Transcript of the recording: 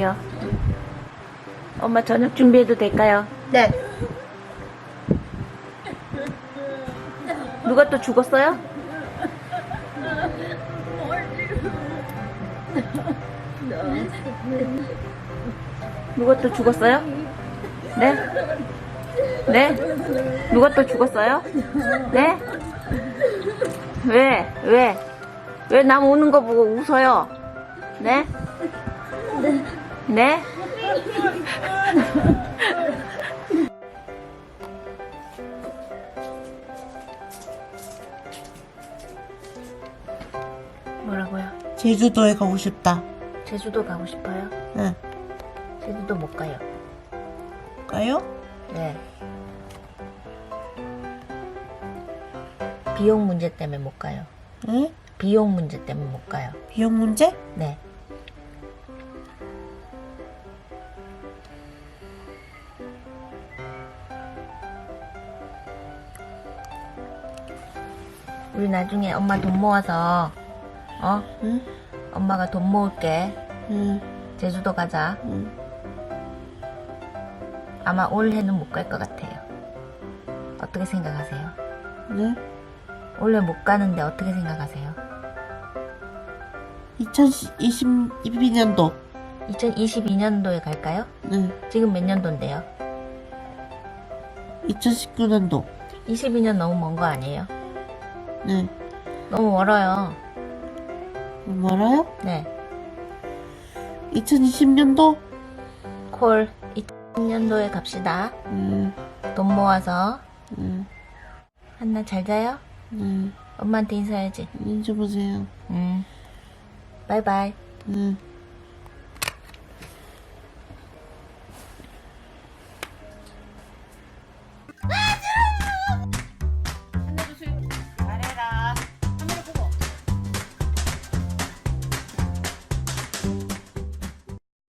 갈게요. 엄마 저녁 준비해도 될까요? 네. 누가 또 죽었어요? 누가 또 죽었어요? 네? 네? 누가 또 죽었어요? 네? 왜? 왜? 왜 남 우는 거 보고 웃어요? 네? 네? 뭐라고요? 제주도에 가고 싶다. 제주도 가고 싶어요? 응. 제주도 못 가요. 가요? 네. 비용 문제 때문에 못 가요. 응? 비용 문제 때문에 못 가요. 비용 문제? 네. 우리 나중에 엄마 돈 모아서 응? 엄마가 돈 모을게. 응. 제주도 가자. 응. 아마 올해는 못 갈 것 같아요. 어떻게 생각하세요? 네? 올해 못 가는데 어떻게 생각하세요? 2022년도. 2022년도에 갈까요? 네. 지금 몇 년도인데요? 2019년도. 22년 너무 먼 거 아니에요? 네. 너무 멀어요. 말아요? 네. 2020년도? 콜 2000년도에 갑시다. 돈 모아서. 한나 잘 자요? 네. 엄마한테 인사해야지. 인지 보세요. 바이바이. 네.